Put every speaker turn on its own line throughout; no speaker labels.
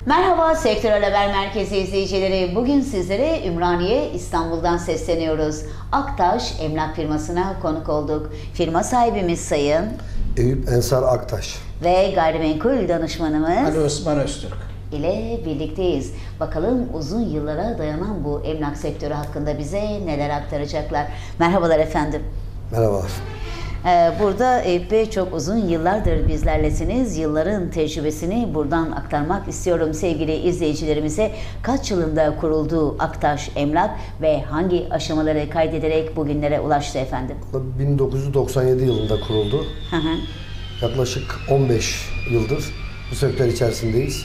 Merhaba Sektörel Haber Merkezi izleyicileri. Bugün sizlere Ümraniye, İstanbul'dan sesleniyoruz. Aktaş Emlak firmasına konuk olduk. Firma sahibimiz Sayın
Eyüp Ensar Aktaş
ve gayrimenkul danışmanımız
Ali Osman Öztürk
ile birlikteyiz. Bakalım uzun yıllara dayanan bu emlak sektörü hakkında bize neler aktaracaklar. Merhabalar efendim.
Merhabalar.
Burada Eyüp Bey çok uzun yıllardır bizlerlesiniz. Yılların tecrübesini buradan aktarmak istiyorum sevgili izleyicilerimize. Kaç yılında kuruldu Aktaş Emlak ve hangi aşamaları kaydederek bugünlere ulaştı efendim?
1997 yılında kuruldu.
Hı hı.
Yaklaşık 15 yıldır bu sektör içerisindeyiz.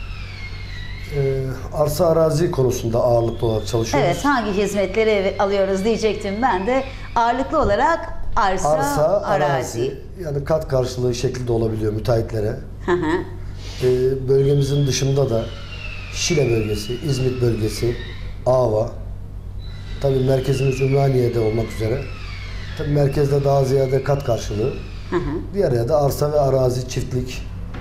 Arsa arazi konusunda ağırlıklı olarak çalışıyoruz.
Evet, hangi hizmetleri alıyoruz diyecektim ben de. Ağırlıklı olarak arsa arazi.
Yani kat karşılığı şeklinde olabiliyor müteahhitlere.
Hı hı.
Bölgemizin dışında da Şile bölgesi, İzmit bölgesi, Ava, tabii merkezimiz Ümraniye'de olmak üzere. Tabii merkezde daha ziyade kat karşılığı.
Hı hı.
Diğer yerde arsa ve arazi, çiftlik,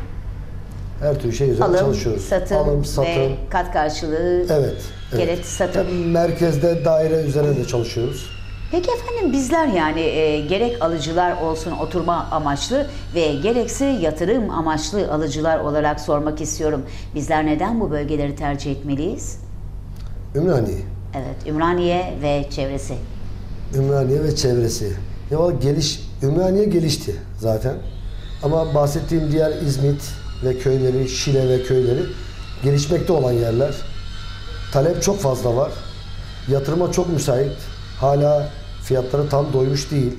her türlü şey üzerine çalışıyoruz.
Alım, satım ve kat karşılığı.
Evet.
Gerek satım.
Tabii merkezde daire üzerine de çalışıyoruz.
Peki efendim bizler yani gerek alıcılar olsun oturma amaçlı ve gerekse yatırım amaçlı alıcılar olarak sormak istiyorum. Bizler neden bu bölgeleri tercih etmeliyiz?
Ümraniye.
Evet, Ümraniye ve çevresi.
Ümraniye ve çevresi. Ya Ümraniye gelişti zaten. Ama bahsettiğim diğer İzmit ve köyleri, Şile ve köyleri gelişmekte olan yerler. Talep çok fazla var. Yatırıma çok müsait. Hala fiyatları tam doymuş değil.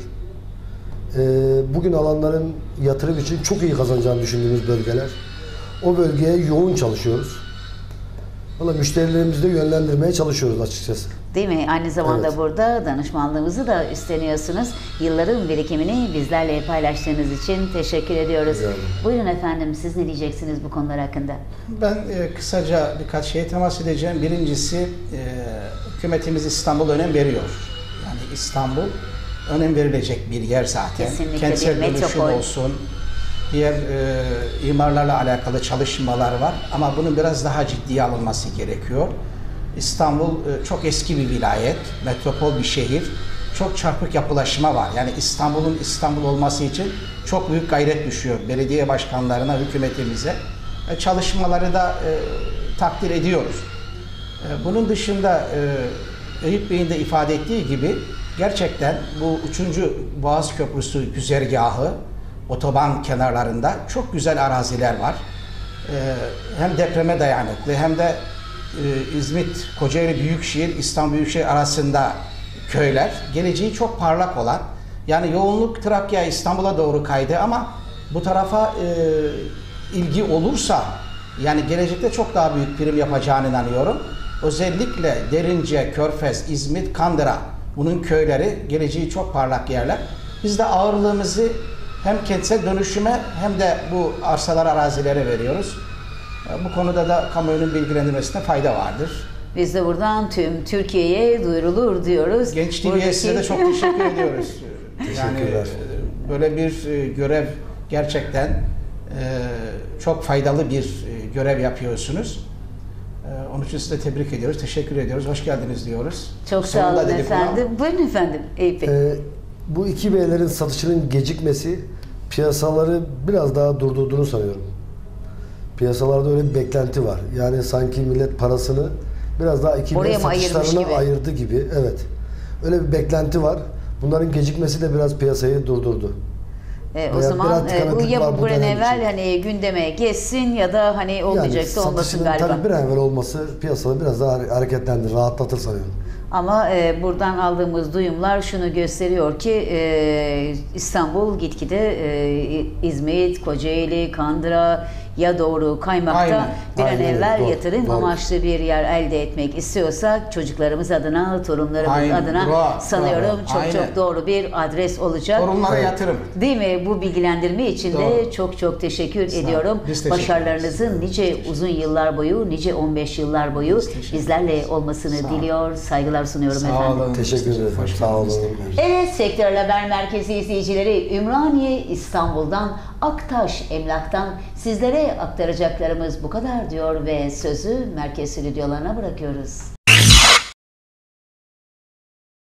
Bugün alanların yatırım için çok iyi kazanacağını düşündüğümüz bölgeler. O bölgeye yoğun çalışıyoruz. Valla müşterilerimizi de yönlendirmeye çalışıyoruz açıkçası.
Değil mi? Aynı zamanda
Evet.
burada danışmanlığımızı da üstleniyorsunuz. Yılların birikimini bizlerle paylaştığınız için teşekkür ediyoruz.
Rica ederim.
Buyurun efendim, siz ne diyeceksiniz bu konular hakkında?
Ben kısaca birkaç şeye temas edeceğim. Birincisi, hükümetimiz İstanbul önem veriyor. Yani İstanbul önem verilecek bir yer zaten.
Kesinlikle
Kentsel
bir
dönüşüm
metropol.
olsun, diğer imarlarla alakalı çalışmalar var. Ama bunun biraz daha ciddiye alınması gerekiyor. İstanbul çok eski bir vilayet, metropol bir şehir. Çok çarpık yapılaşma var. Yani İstanbul'un İstanbul olması için çok büyük gayret düşüyor belediye başkanlarına, hükümetimize. Çalışmaları da takdir ediyoruz. Bunun dışında Eyüp Bey'in de ifade ettiği gibi gerçekten bu 3. Boğaz Köprüsü güzergahı otoban kenarlarında çok güzel araziler var. Hem depreme dayanıklı hem de İzmit, Kocaeli Büyükşehir, İstanbul Büyükşehir arasında köyler. Geleceği çok parlak olan, yani yoğunluk Trakya, İstanbul'a doğru kaydı ama bu tarafa ilgi olursa yani gelecekte çok daha büyük prim yapacağına inanıyorum. Özellikle Derince, Körfez, İzmit, Kandıra, bunun köyleri geleceği çok parlak yerler. Biz de ağırlığımızı hem kentsel dönüşüme hem de bu arsalar, arazilere veriyoruz. Bu konuda da kamuoyunun bilgilendirmesine fayda vardır.
Biz de buradan tüm Türkiye'ye duyurulur diyoruz.
Genç TV'ye size de çok teşekkür ediyoruz. Yani
Teşekkürler.
böyle bir görev gerçekten çok faydalı bir görev yapıyorsunuz. Onun için size tebrik ediyoruz, teşekkür ediyoruz, hoş geldiniz diyoruz.
Çok sağ
Sonunda
olun
dedik bunu ama.
efendim. Buyurun efendim Eyüp Bey.
Bu iki beylerin satışının gecikmesi piyasaları biraz daha durdurduğunu sanıyorum. Piyasalarda öyle bir beklenti var. Yani sanki millet parasını biraz daha iki
Oraya
bey
mı ayırmış
satışlarına
gibi?
ayırdı gibi. Evet. Öyle bir beklenti var. Bunların gecikmesi de biraz piyasayı durdurdu.
O
Veya
zaman
biraz
bu
tıkanıklık
ya
var
bu
bu
bir an
dönem
evvel
için.
hani gündeme geçsin ya da hani olmayacaksa olmasın
satışının
galiba.
tabii bir an evvel olması piyasada biraz daha hareketlendir, rahatlatır sanıyorum.
Ama buradan aldığımız duyumlar şunu gösteriyor ki İstanbul gitgide İzmit, Kocaeli, Kandıra ya doğru kaymakta.
Aynen.
Bir an
Aynen,
evvel
doğru,
yatırım
doğru.
amaçlı bir yer elde etmek istiyorsak çocuklarımız adına, torunlarımız
Aynen,
adına
bravo,
sanıyorum
bravo.
çok
Aynen.
çok doğru bir adres olacak.
Torunlara yatırım.
Değil mi? Bu bilgilendirme için de
Doğru.
çok çok teşekkür
Sağ olun.
ediyorum.
Biz teşekkür
Başarılarınızın nice uzun yıllar boyu, nice 15 yıllar boyu
Biz teşekkür
bizlerle
ederiz.
olmasını
Sağ olun.
diliyor, saygılar sunuyorum
Sağ
efendim.
olun.
Teşekkür ederim.
Hoş
Sağ olun.
geldiniz.
Evet, Sektörel Haber Merkezi izleyicileri, Ümraniye İstanbul'dan Aktaş Emlak'tan sizlere aktaracaklarımız bu kadar diyor ve sözü merkez stüdyolarına bırakıyoruz.